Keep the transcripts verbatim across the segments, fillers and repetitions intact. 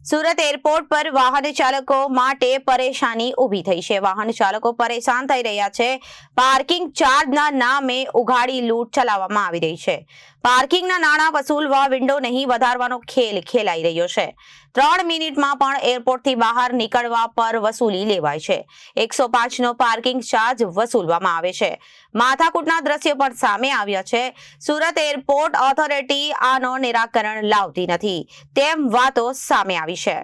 Surat airport પર વાહન ચાલકો માટે પરેશાની ઊભી થઈ છે। વાહન ચાલકો પરેશાન થઈ રહ્યા છે। પાર્કિંગ ચાર્જના નામે ઉઘાડી લૂંટ ચલાવવામાં આવી રહી છે। પાર્કિંગના નાણાં વસૂલવા વિન્ડો નહીં વધારવાનો ખેલ ખેલાઈ રહ્યો છે। ત્રણ મિનિટમાં પણ એરપોર્ટથી બહાર નીકળવા પર વસૂલી લેવાય છે। એકસો પાંચ નો પાર્કિંગ ચાર્જ વસૂલવામાં આવે છે। માથાકૂટના દ્રશ્યો પણ સામે આવ્યા છે। સુરત એરપોર્ટ ઓથોરિટી આનો નિરાકરણ લાવતી નથી તેમ વાતો સામે આવી છે।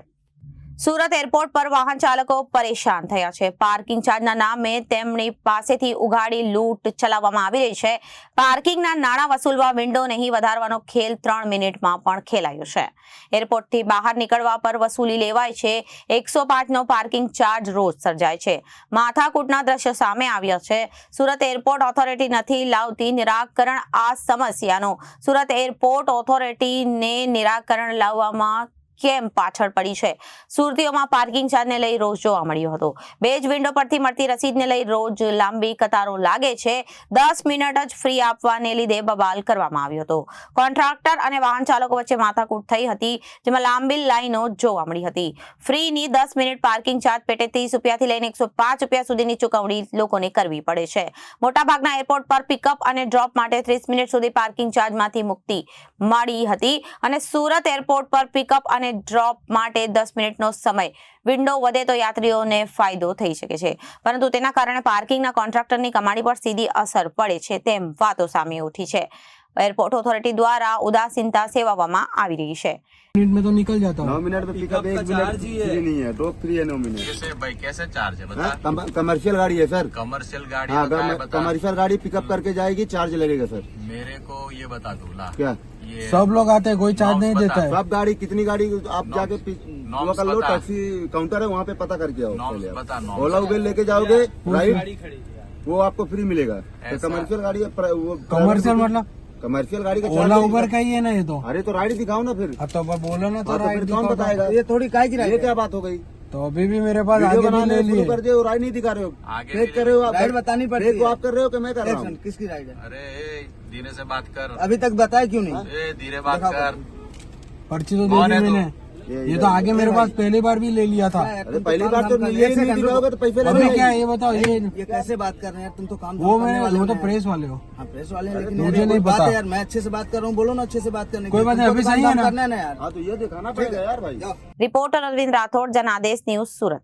સુરત એરપોર્ટ પર વાહન ચાલકો પરેશાન થયા છે। પાર્કિંગ ચાર્જના નામે તેમની પાસેથી ઉઘાડી લૂંટ ચલાવવામાં આવી રહી છે। પાર્કિંગના નાણાં વસૂલવા વિન્ડો નહીં વધારવાનો ખેલ ત્રણ મિનિટમાં પણ ખેલાયો છે। એરપોર્ટથી બહાર નીકળવા પર વસૂલી લેવાય છે। એકસો પાંચ નો પાર્કિંગ ચાર્જ રોજ સર્જાય છે। માથાકૂટના દ્રશ્યો સામે આવ્યા છે। સુરત એરપોર્ટ ઓથોરિટી નથી લાવતી નિરાકરણ આ સમસ્યાનો। સુરત એરપોર્ટ ઓથોરિટીને નિરાકરણ લાવવામાં કેમ પાછળ પડી છે? સુરતીઓમાં પાર્કિંગ ચાર્જને લઈ રોજ જોવા મળ્યો હતો। બે જ વિન્ડો પરથી મળતી રસીદને લઈ રોજ લાંબી કતારો લાગે છે। દસ મિનિટ જ ફ્રી આપવાને લીધે બબાલ કરવામાં આવ્યો હતો। કોન્ટ્રાક્ટર અને વાહન ચાલકો વચ્ચે માથાકૂટ થઈ હતી, જેમાં લાંબી લાઈનો જોવા મળી હતી। ફ્રીની દસ મિનિટ પાર્કિંગ ચાર્જ પેટે ત્રીસ રૂપિયાથી લઈને એકસો પાંચ રૂપિયા સુધીની ચૂકવણી લોકોને કરવી પડે છે। મોટાભાગના એરપોર્ટ પર પિકઅપ અને ડ્રોપ માટે ત્રીસ મિનિટ સુધી પાર્કિંગ ચાર્જમાંથી મુક્તિ મળી હતી અને સુરત એરપોર્ટ પર પિકઅપ અને ડ્રોપ માટે દસ મિનિટનો સમય વિન્ડો વધે તો યાત્રીઓને ફાયદો થઈ શકે છે, પરંતુ તેના કારણે પાર્કિંગના કોન્ટ્રાક્ટરની કમાણી પર સીધી અસર પડે છે તેમ વાતો સામે ઉઠી છે। एयरपोर्ट अथॉरिटी द्वारा उदासीनता सेवाવામાં આવી રહી છે। मिनट में तो निकल जाता नौ हूँ। मिनट में पिकअप एक मिनट फ्री नहीं है, ड्रॉप फ्री है नौ मिनट। कैसे भाई कैसे चार्ज है बता? हाँ, कमर्शियल गाड़ी है सर। कमर्शियल गाड़ी हाँ, होता है बता। कमर्शियल गाड़ी पिकअप करके जाएगी, चार्ज लगेगा सर। मेरे को ये बता दो ला क्या ये सब लोग आते हैं, कोई चार्ज नहीं बता। देता है। सब गाड़ी कितनी गाड़ी आप जाके नॉर्म्स वो कर लो, बता। टैक्सी काउंटर है वहाँ पे पता करके आओ। नॉर्म्स पहले आप। बता, नॉर्म्स ओला बता। उबेर लेके जाओगे राइट, वो आपको फ्री मिलेगा। तो ऐसा? कमर्शियल गाड़ी है, प्र- वो कमर्शियल मतलब कमर्शियल गाड़ी का ओला charge उबर नहीं का ही है ना ये तो। है। अरे तो राइड दिखाओ ना फिर। अब तो बोलो ना तो हाँ, तो राइट फिर कौन दिखाओ बताएगा? तो। ये थोड़ी काय की ये क्या बात हो गई? तो अभी भी मेरे पास वीडियो आगे भी बनाने ले शुरू लिए। कर दिए, राइड नहीं दिखा रहे हो। आगे फेक भी कर रहे हो आप। राइड बतानी पड़ती फेक है। आप कर रहे हो कि मैं कर रहा हूँ? किसकी राइड है? अरे ए, धीरे से बात कर। अभी तक बताया क्यों नहीं? ए धीरे बात दिखाओ। कर। पर्ची तो दे कौन दी है तू? मैंने। ये- ये तो आगे मेरे पास पहली बार भी ले लिया था। अरे पहली बार तो ये ही नहीं दिखाओगे तो पैसे अभी लगेंगे। क्या है ये बताओ? ये ये कैसे बात कर रहे हैं तुम? तो काम वो करने मैं वाले वो हो तो ना यार। प्रेस वाले हो। हाँ प्रेस वाले हैं, लेकिन मुझे यार, नहीं कोई बात पता। है यार, मैं अच्छे से बात कर रहा हूँ, बोलो ना अच्छे से बात करने की। कोई बात नहीं, तुमको अभी तो सही काम है ना? करना है ना यार। हाँ तो ये दिखाना पड़ेगा यार भाई। रिपोर्टर अरविंद राठौड़, जनादेश न्यूज, सूरत।